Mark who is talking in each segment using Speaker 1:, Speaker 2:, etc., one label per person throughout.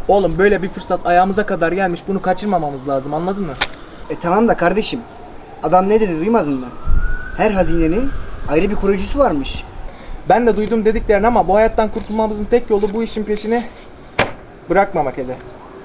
Speaker 1: Oğlum böyle bir fırsat ayağımıza kadar gelmiş, bunu kaçırmamamız lazım, anladın mı?
Speaker 2: Tamam da kardeşim. Adam ne dedi duymadın mı? Her hazinenin ayrı bir koruyucusu varmış.
Speaker 1: Ben de duydum dediklerini ama bu hayattan kurtulmamızın tek yolu bu işin peşini bırakmamak hele.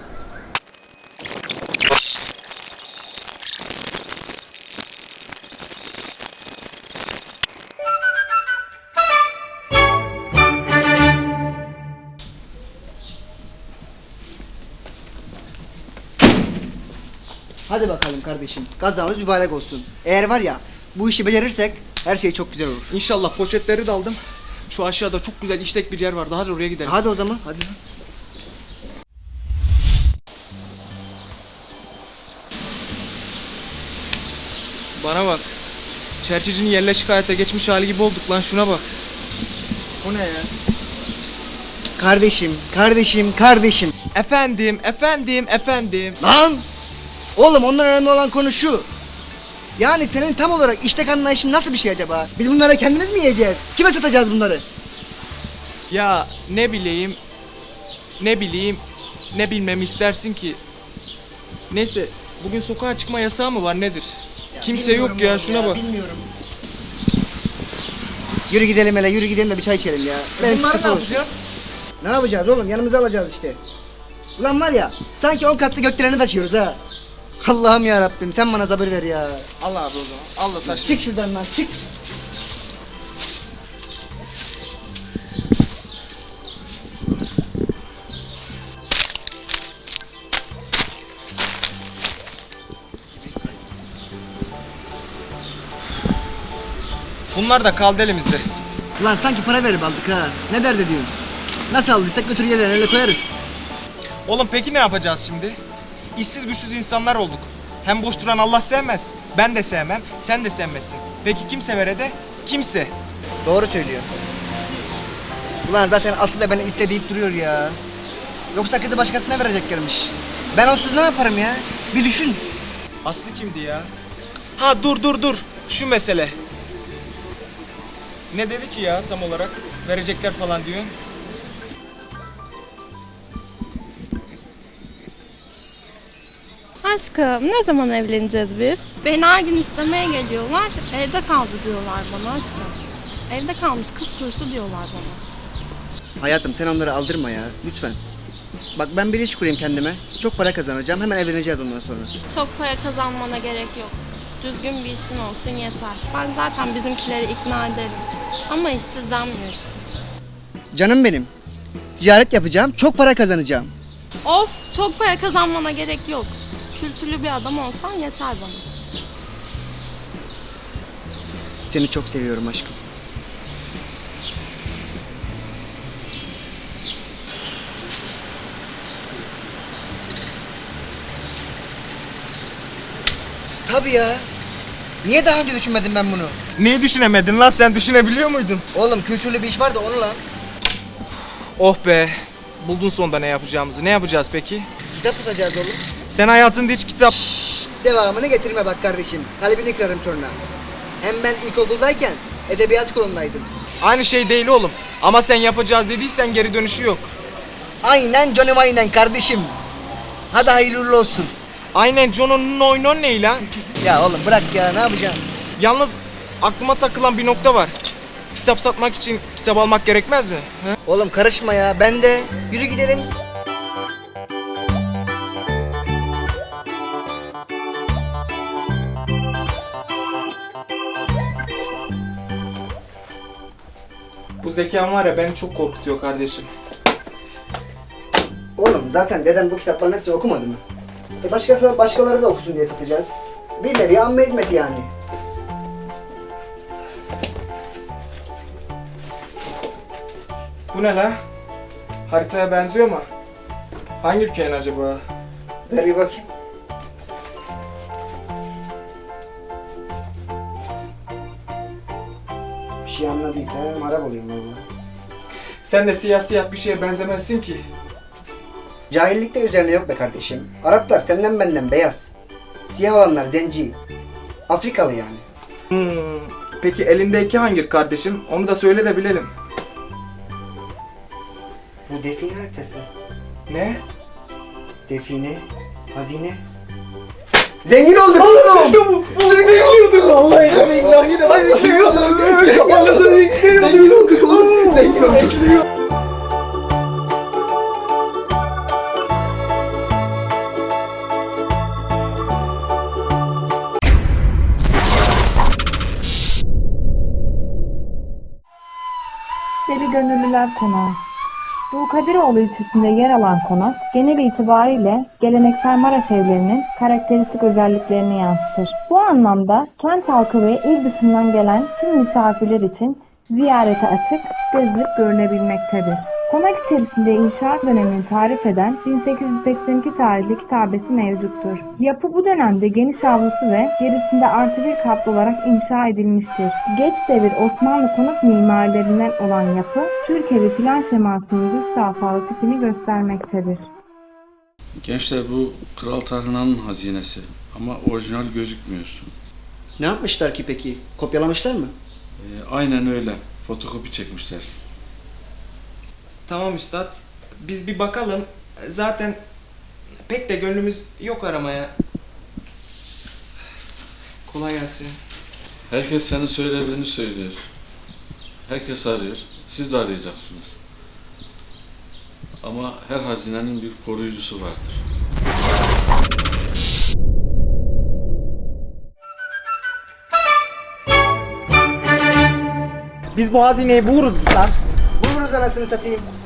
Speaker 2: Hadi bakalım kardeşim. Kazamız mübarek olsun. Eğer var ya bu işi becerirsek her şey çok güzel olur.
Speaker 1: İnşallah, poşetleri de aldım. Şu aşağıda çok güzel işlek bir yer vardı. Hadi oraya gidelim.
Speaker 2: Hadi o zaman.
Speaker 1: Hadi. Bana bak. Çerçecinin yerleşik hayata geçmiş hali gibi olduk lan, şuna bak. O ne ya?
Speaker 2: Kardeşim.
Speaker 1: Efendim.
Speaker 2: Lan! Oğlum ondan önemli olan konu şu. Yani senin tam olarak iştek anlayışın nasıl bir şey acaba? Biz bunları kendimiz mi yiyeceğiz? Kime satacağız bunları?
Speaker 1: Ya ne bileyim, ne bilmemi istersin ki? Neyse, bugün sokağa çıkma yasağı mı var, nedir? Kimse yok ya, şuna bak.
Speaker 2: Bilmiyorum. Yürü gidelim hele, yürü gidelim de bir çay içelim ya.
Speaker 1: Bunları ne yapacağız?
Speaker 2: Ne yapacağız oğlum? Yanımıza alacağız işte. Ulan var ya, sanki 10 katlı gökdeleni taşıyoruz ha. Allah'ım ya Rabbim, sen bana sabır ver ya.
Speaker 1: Al abi o zaman, al da taşı.
Speaker 2: Çık şuradan lan, çık.
Speaker 1: Bunlar da kaldı elimizde.
Speaker 2: Ulan sanki para verip aldık ha. Ne dert ediyorsun? Nasıl aldıysak götür yerlerine öyle koyarız.
Speaker 1: Oğlum peki ne yapacağız şimdi? İşsiz güçsüz insanlar olduk. Hem boş duran Allah sevmez. Ben de sevmem, sen de sevmezsin. Peki kim sever Ede? Kimse.
Speaker 2: Doğru söylüyor. Ulan zaten Aslı da beni iste deyip duruyor ya. Yoksa kızı başkasına vereceklermiş. Ben onsuz ne yaparım ya? Bir düşün.
Speaker 1: Aslı kimdi ya? Ha dur. Şu mesele. Ne dedi ki ya tam olarak? Verecekler falan diyor.
Speaker 3: Aşkım ne zaman evleneceğiz biz? Beni her gün istemeye geliyorlar. Evde kaldı diyorlar bana aşkım. Evde kalmış kız kurusu diyorlar bana.
Speaker 2: Hayatım sen onları aldırma ya. Lütfen. Bak ben bir iş kurayım kendime. Çok para kazanacağım. Hemen evleneceğiz ondan sonra.
Speaker 3: Çok para kazanmana gerek yok. Düzgün bir işin olsun yeter. Ben zaten bizimkileri ikna ederim. Ama işsiz denmiyor işte.
Speaker 2: Canım benim. Ticaret yapacağım. Çok para kazanacağım.
Speaker 3: Of, çok para kazanmana gerek yok. Kültürlü bir adam olsan yeter bana.
Speaker 2: Seni çok seviyorum aşkım. Tabii ya. Niye daha önce düşünmedim ben bunu?
Speaker 1: Neyi düşünemedin lan, sen düşünebiliyor muydun?
Speaker 2: Oğlum kültürlü bir iş var da onu lan.
Speaker 1: Oh be. Buldun sonunda ne yapacağımızı. Ne yapacağız peki?
Speaker 2: Kitap satacağız oğlum.
Speaker 1: Sen hayatında hiç kitap...
Speaker 2: Devamını getirme bak kardeşim. Kalbini kırarım sonra. Hem ben ilkokuldayken edebiyat kolundaydım.
Speaker 1: Aynı şey değil oğlum. Ama sen yapacağız dediysen geri dönüşü yok.
Speaker 2: Aynen canım aynen kardeşim. Hadi hayırlı uğurlu olsun.
Speaker 1: Aynen John'un oynon ne lan?
Speaker 2: Ya oğlum bırak ya ne yapacaksın?
Speaker 1: Yalnız aklıma takılan bir nokta var. Kitap satmak için kitap almak gerekmez mi? He?
Speaker 2: Oğlum karışma ya ben de. Yürü gidelim.
Speaker 1: Bu zekan var ya beni çok korkutuyor kardeşim.
Speaker 2: Oğlum zaten dedem bu kitapların hepsini okumadı mı? Başkaları da okusun diye satacağız. Bir nevi amme hizmeti yani.
Speaker 1: Bu ne la? Haritaya benziyor mu? Hangi ülkenin acaba?
Speaker 2: Ver bir bakayım. Bir şey anladıysan Arap olayım valla.
Speaker 1: Sen de siyah siyah bir şeye benzemezsin ki.
Speaker 2: Cahillik de üzerine yok be kardeşim. Araplar senden benden beyaz. Siyah olanlar zenci. Afrikalı yani.
Speaker 1: Peki elindeki hangi kardeşim? Onu da söyle de bilelim.
Speaker 2: Bu define haritası.
Speaker 1: Ne?
Speaker 2: Define, hazine. Zengin olduk oğlum. İşte bu. Zengin olduk. Vallahi billahi de. Zengin olduk oğlum. Zengin olduk.
Speaker 4: Deli Gönüllüler Konağı. Dulkadiroğlu ilçesinde yer alan konak, genel itibariyle geleneksel Maraş evlerinin karakteristik özelliklerini yansıtır. Bu anlamda kent halkı ve il dışından gelen tüm misafirler için ziyarete açık, gezilip görülebilmektedir. Konak içerisinde inşaat dönemini tarif eden 1882 tarihli kitabesi mevcuttur. Yapı bu dönemde geniş avlusu ve gerisinde artı bir katlı olarak inşa edilmiştir. Geç devir Osmanlı konut mimarilerinden olan yapı, Türkiye'li plan şemasının düz safhalı tipini göstermektedir.
Speaker 5: Gençler bu Kral Tarhana'nın hazinesi ama orijinal gözükmüyor.
Speaker 2: Ne yapmışlar ki peki? Kopyalamışlar mı?
Speaker 5: Aynen öyle. Fotokopi çekmişler.
Speaker 1: Tamam üstad. Biz bir bakalım. Zaten pek de gönlümüz yok aramaya. Kolay gelsin.
Speaker 5: Herkes senin söylediğini söylüyor. Herkes arıyor. Siz de arayacaksınız. Ama her hazinenin bir koruyucusu vardır.
Speaker 1: Biz bu hazineyi buluruz lan.
Speaker 2: Buluruz anasını satayım.